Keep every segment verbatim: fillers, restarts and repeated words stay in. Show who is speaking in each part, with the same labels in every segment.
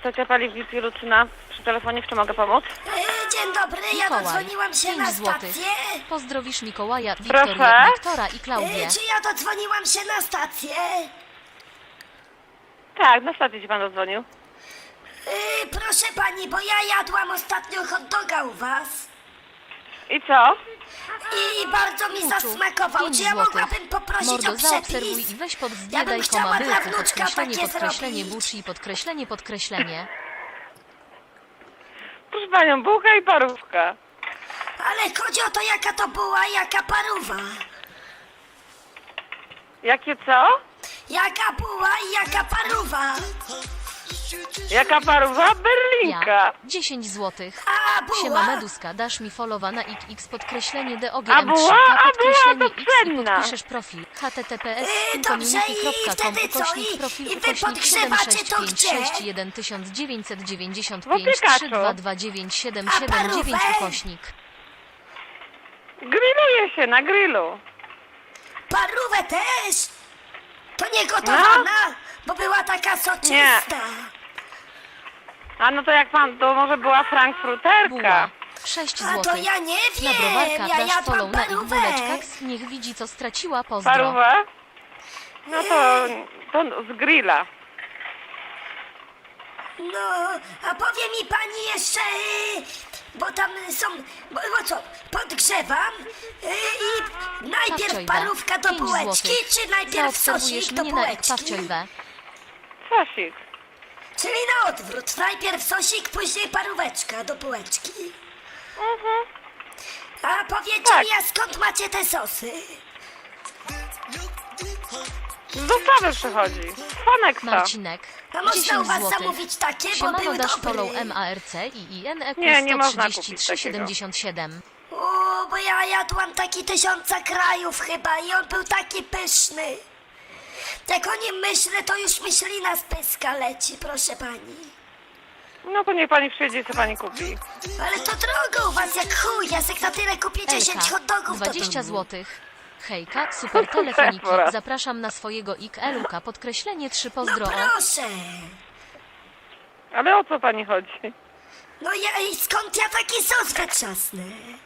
Speaker 1: Stacja Paliw Lucyna przy telefonie, w czym mogę pomóc?
Speaker 2: E, Dzień dobry, ja
Speaker 3: Mikołaj,
Speaker 2: dodzwoniłam się
Speaker 3: pięć
Speaker 2: na
Speaker 3: złotych.
Speaker 2: stację.
Speaker 3: Pozdrowisz Mikołaja,
Speaker 1: Proszę?
Speaker 3: Wiktorię, Wiktora i Klaudię.
Speaker 2: E, Czy ja dodzwoniłam się na stację?
Speaker 1: Tak, na stacji ci pan zadzwonił.
Speaker 2: E, Proszę pani, bo ja jadłam ostatnio hot doga u was
Speaker 1: I co?
Speaker 2: i bardzo mi
Speaker 3: Kuczu,
Speaker 2: zasmakował.
Speaker 3: pięć
Speaker 2: Czy ja
Speaker 3: złotych.
Speaker 2: mogłabym poprosić
Speaker 3: Mordo,
Speaker 2: o
Speaker 3: zaobserwuj
Speaker 2: przepis?
Speaker 3: i weź pod
Speaker 2: Ja bym
Speaker 3: zbiadaj
Speaker 2: chciała
Speaker 3: koma
Speaker 2: dla
Speaker 3: byłku,
Speaker 2: wnuczka
Speaker 3: podkreślenie,
Speaker 2: takie
Speaker 3: podkreślenie,
Speaker 2: zrobić.
Speaker 3: buczy, podkreślenie, podkreślenie.
Speaker 1: Proszę panią, bułka i parówka.
Speaker 2: Ale chodzi o to, jaka to była, jaka paruwa.
Speaker 1: Jakie co?
Speaker 2: Jaka była i jaka paruwa.
Speaker 1: Jaka parówa? Berlinka.
Speaker 3: Ja, dziesięć złotych.
Speaker 2: A była.
Speaker 3: Siema Meduska, dasz mi followa na x podkreślenie
Speaker 1: A
Speaker 3: dogm
Speaker 1: była?
Speaker 3: trzy
Speaker 1: A była
Speaker 3: podkreślenie
Speaker 1: to
Speaker 3: x i
Speaker 1: cenna.
Speaker 3: podpiszesz profil https
Speaker 2: Yy, dobrze, i
Speaker 3: community.com
Speaker 2: wtedy co?
Speaker 3: ukośnik
Speaker 2: I-
Speaker 3: profil
Speaker 2: i wy
Speaker 3: ukośnik siedem
Speaker 2: podgrzewacie
Speaker 3: sześć
Speaker 2: to
Speaker 3: pięć
Speaker 2: gdzie?
Speaker 3: sześć jeden dziewięć dziewięć
Speaker 1: W
Speaker 3: pięć
Speaker 1: Opykaczu.
Speaker 3: trzy dwa dwa dziewięć siedem
Speaker 2: A
Speaker 3: siedem dziewięć
Speaker 2: parówę?
Speaker 3: ukośnik.
Speaker 1: Grilluje się na grillu.
Speaker 2: Parówę też. To nie gotowana,
Speaker 3: No.
Speaker 2: bo była taka soczysta.
Speaker 1: A no to jak pan, to może była frankfurterka.
Speaker 3: Buła. sześć
Speaker 2: A to
Speaker 3: złotych.
Speaker 2: ja nie
Speaker 3: Na
Speaker 2: wiem,
Speaker 3: browarka
Speaker 2: ja
Speaker 3: dasz
Speaker 2: jadłam
Speaker 3: follow na ich
Speaker 2: parówę.
Speaker 3: buleczkach, niech widzi co straciła, pozdro.
Speaker 1: Parówę? No to, to z grilla.
Speaker 2: No, a powie mi pani jeszcze, y, bo tam są, bo, bo co, podgrzewam y, i najpierw
Speaker 3: Pawciojwe,
Speaker 2: parówka do
Speaker 3: pięć
Speaker 2: bułeczki,
Speaker 3: złotych.
Speaker 2: czy najpierw
Speaker 3: Zaobserwujesz
Speaker 2: sosik do
Speaker 3: mnie na
Speaker 2: bułeczki?
Speaker 3: ekpawciojwe.
Speaker 1: Sosik.
Speaker 2: Czyli na odwrót, najpierw sosik, później paróweczka do bułeczki.
Speaker 1: Mhm.
Speaker 2: A powiecie
Speaker 1: Tak.
Speaker 2: mi, a skąd macie te sosy?
Speaker 1: Z dostawy przychodzi. Faneksa.
Speaker 3: Marcinek,
Speaker 2: A można u
Speaker 3: dziesięć
Speaker 2: was
Speaker 3: złotych.
Speaker 2: zamówić takie, bo
Speaker 3: Siemano,
Speaker 2: były
Speaker 3: dasz
Speaker 2: dobre.
Speaker 3: follow marc i ineq
Speaker 1: Nie, nie można
Speaker 3: sto trzydzieści
Speaker 1: kupić
Speaker 3: trzy
Speaker 1: takiego.
Speaker 3: siedemdziesiąt siedem.
Speaker 2: O, bo ja jadłam taki tysiąca krajów chyba i on był taki pyszny. Jak o nim myślę, to już myślina z pyska leci, proszę pani.
Speaker 1: No to niech pani przyjedzie i co pani kupi.
Speaker 2: Ale to drogo u was jak chuj, ja se na tyle kupię dziesięć hot
Speaker 3: Elka,
Speaker 2: dogów do
Speaker 3: dwadzieścia
Speaker 2: domu.
Speaker 3: złotych. Hejka, super telefoniki,
Speaker 1: Dobra.
Speaker 3: zapraszam na swojego ik eluka, podkreślenie trzy
Speaker 2: No
Speaker 3: pozdro.
Speaker 2: proszę.
Speaker 1: Ale o co pani chodzi?
Speaker 2: No ja, i skąd ja taki sos wytrzasnę?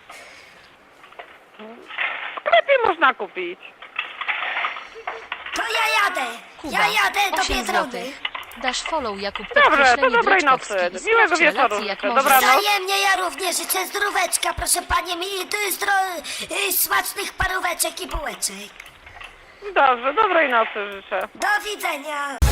Speaker 1: W sklepie można kupić.
Speaker 2: To ja jadę,
Speaker 3: Kuba,
Speaker 2: ja jadę do
Speaker 3: osiem
Speaker 2: Biedrony.
Speaker 3: złotych. Dasz follow Jakub,
Speaker 1: Dobrze, to
Speaker 3: podkreślenie
Speaker 1: dobrej
Speaker 3: Dreczkowski
Speaker 1: nocy.
Speaker 3: i
Speaker 1: Miłego
Speaker 3: sprawdź
Speaker 1: wieczoru
Speaker 3: relacje jak
Speaker 1: życzę.
Speaker 3: możesz.
Speaker 1: Dobranoc.
Speaker 2: Wzajemnie ja również życzę zdróweczka, proszę panie, mi y, zdro, y, smacznych paróweczek i bułeczek.
Speaker 1: Dobrze, dobrej nocy życzę.
Speaker 2: Do widzenia.